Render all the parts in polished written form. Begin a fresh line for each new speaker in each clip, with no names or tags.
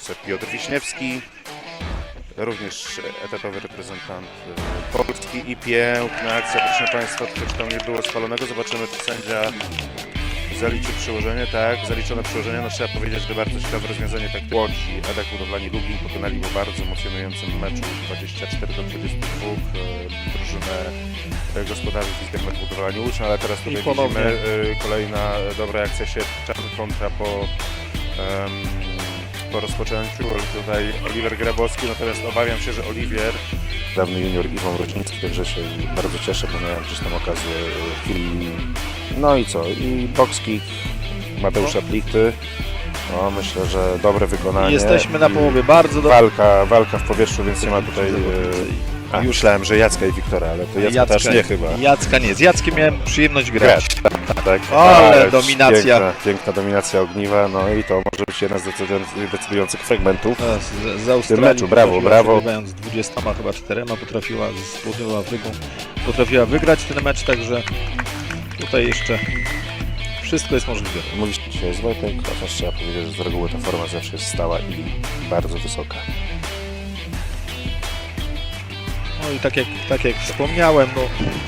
siatkówce Piotr Wiśniewski, również etatowy reprezentant Polski i piękna akcja, proszę Państwa, choć tam nie było spalonego. Zobaczymy, czy sędzia zaliczy przyłożenie. Tak, zaliczone przyłożenie. No trzeba powiedzieć, że bardzo ciekawe rozwiązanie tak Łodzi. Edek Budowlani Lublin pokonali po bardzo emocjonującym meczu 24-22 drużynę gospodarzy Wizermet Budowlani Łódź, ale teraz tutaj widzimy kolejna dobra akcja siatczan kontra po rozpoczęciu. Tutaj Oliwier Grabowski, natomiast obawiam się, że Oliwier, dawny junior Iwon Rocznicki, także się bardzo cieszę, bo miałem gdzieś tam okazję no i co? I box kick Mateusza Plichty. No, myślę, że dobre wykonanie.
Jesteśmy na połowie, bardzo dobrze.
Walka w powietrzu, więc nie ma tutaj... Myślałem, że Jacka i Wiktora, ale to Jacka też nie chyba.
Jacka nie, z Jackiem miałem przyjemność grać.
Tak,
ale dominacja.
Piękna dominacja Ogniwa, no i to może być jeden z decydujących fragmentów
Z Australii
meczu. Brawo.
Przegrywając 24 potrafiła z Południową Afryką wygrać ten mecz, także tutaj jeszcze wszystko jest możliwe.
Mówisz dzisiaj jest Wojtek, chociaż trzeba powiedzieć, że z reguły ta forma zawsze jest stała i bardzo wysoka.
No i tak jak wspomniałem, no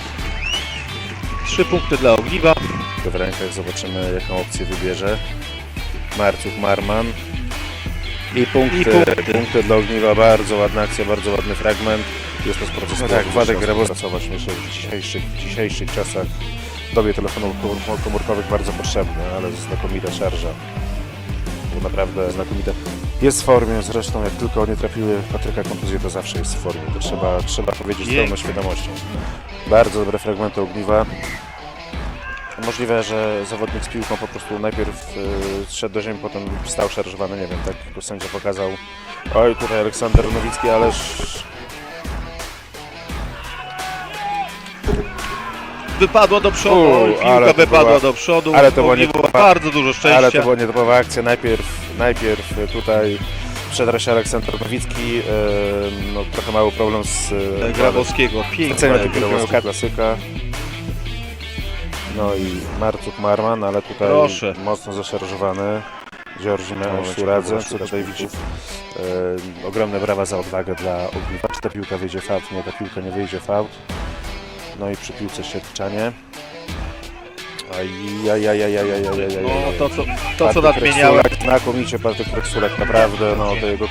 3 punkty dla Ogniwa.
W rękach zobaczymy, jaką opcję wybierze Marcuk Marman. I punkty dla Ogniwa, bardzo ładna akcja, bardzo ładny fragment. Jest to proces, no tak, Władek Grabowski pracować, myślę, że w dzisiejszych czasach, w dobie telefonów komórkowych bardzo potrzebny, ale znakomita szarża. Bo naprawdę znakomita. Jest w formie, zresztą jak tylko nie trafiły Patryka kontuzje, to zawsze jest w formie. To trzeba powiedzieć z pełną świadomością. Bardzo dobre fragmenty Ogniwa. Możliwe, że zawodnik z piłką po prostu najpierw zszedł do ziemi, potem stał szarżowany, nie wiem, tak go sędzia pokazał. Oj, tutaj Aleksander Nowicki, ależ...
Wypadła do przodu, piłka wypadła do przodu,
ale to było
bardzo dużo szczęścia.
Ale to była nietypowa akcja, najpierw tutaj przedra się Aleksander Nowicki, no, trochę mały problem z
Grabowskiego, piękna
klasyka. No i Marcuk Marman, ale tutaj mocno zaszarżowany. Georgi Szuradze, co tutaj widzisz. Ogromne brawa za odwagę dla Ogniwa. Czy ta piłka wyjdzie w aut? Nie, ta piłka nie wyjdzie w aut. No i przy piłce siatczanie.
No to co nadmieniałem.
Znakomicie Patryk Reksulek, naprawdę, no to jego...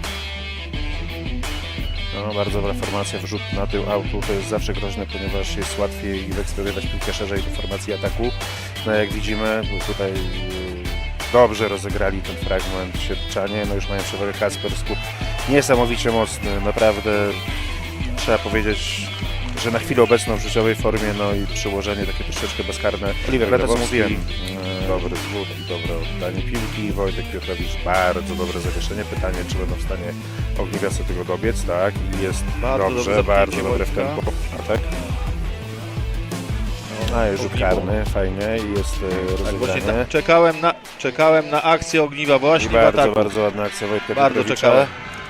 No, bardzo dobra formacja, wrzut na tył autu, to jest zawsze groźne, ponieważ jest łatwiej wyeksplodować piłkę szerzej do formacji ataku. No jak widzimy, tutaj dobrze rozegrali ten fragment siatczanie, no już mają przewagę Kasper Skup. Niesamowicie mocny, naprawdę trzeba powiedzieć, że na chwilę obecną w życiowej formie, no i przyłożenie takie troszeczkę bezkarne. Oliwier Grabowski, dobry zwód i dobre oddanie piłki. Wojtek Piotrowicz, bardzo dobre zawieszenie. Pytanie, czy będą w stanie Ogniwiacy tego dobiec, tak? I jest dobrze, bardzo dobre w tempo. Tak? A jest rzut karny, fajnie i jest rozegranie.
Czekałem na akcję Ogniwa właśnie w ataku.
Bardzo ładna akcja Wojtka
Bardzo
Piotrowicza.
czekałem.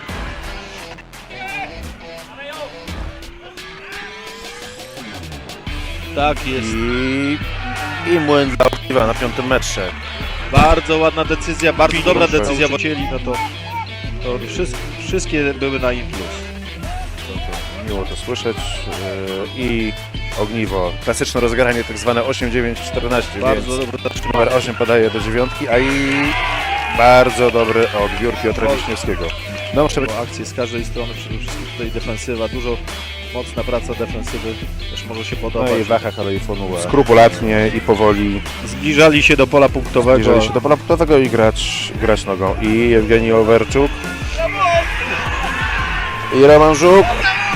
Tak jest.
I młyn dla Ogniwa na 5. metrze.
Bardzo ładna decyzja, bardzo dobra decyzja, bo chcieli, no to wszystkie były na im plus.
Miło to słyszeć. I Ogniwo, klasyczne rozegranie, tak zwane 8-9-14,
bardzo
więc
dobry
numer 8 podaje do 9, a i bardzo dobry odbiór Piotra Wiśniewskiego.
No, muszę akcje z każdej strony, przede wszystkim tutaj defensywa, dużo mocna praca defensywy, też może się podobać.
No i Wachach, ale i Fonuła. Skrupulatnie i powoli
zbliżali się do pola punktowego.
I grać nogą. I Jewgeni Owerczuk. I Roman Żuk.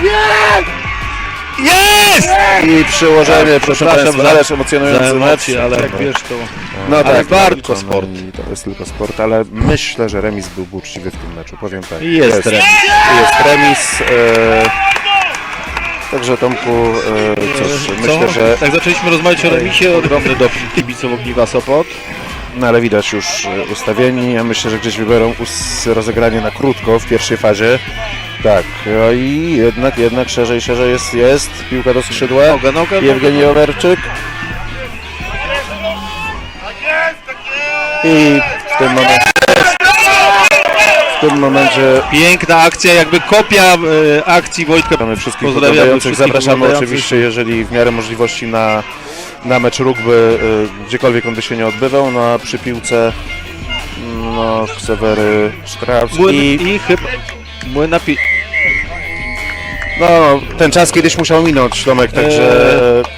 Jest!
I przyłożenie, proszę Państwa, ależ emocjonujący mecz.
Ale jak wiesz to...
No tak,
bardzo sport.
To jest tylko sport, ale myślę, że remis byłby uczciwy w tym meczu, powiem tak.
Jest remis.
Jest remis. Także Tomku, myślę, że...
Tak zaczęliśmy rozmawiać o remisie, ogromny doping kibiców Ogniwa Sopot.
No ale widać już ustawieni, ja myślę, że gdzieś wybiorą rozegranie na krótko w pierwszej fazie. Tak, no i jednak szerzej jest, piłka do skrzydła, Jewgeni Owerczyk. I w tym momencie tym momencie
Piękna akcja, jakby kopia akcji Wojtka.
witamy wszystkich
Pozdrawiamy
oglądających.
wszystkich
Zapraszamy
oglądających.
oczywiście, jeżeli w miarę możliwości na mecz rugby, gdziekolwiek on by się nie odbywał, no a przy piłce no, Ksawery Szkrawski.
I chyba
No, ten czas kiedyś musiał minąć, Tomek, także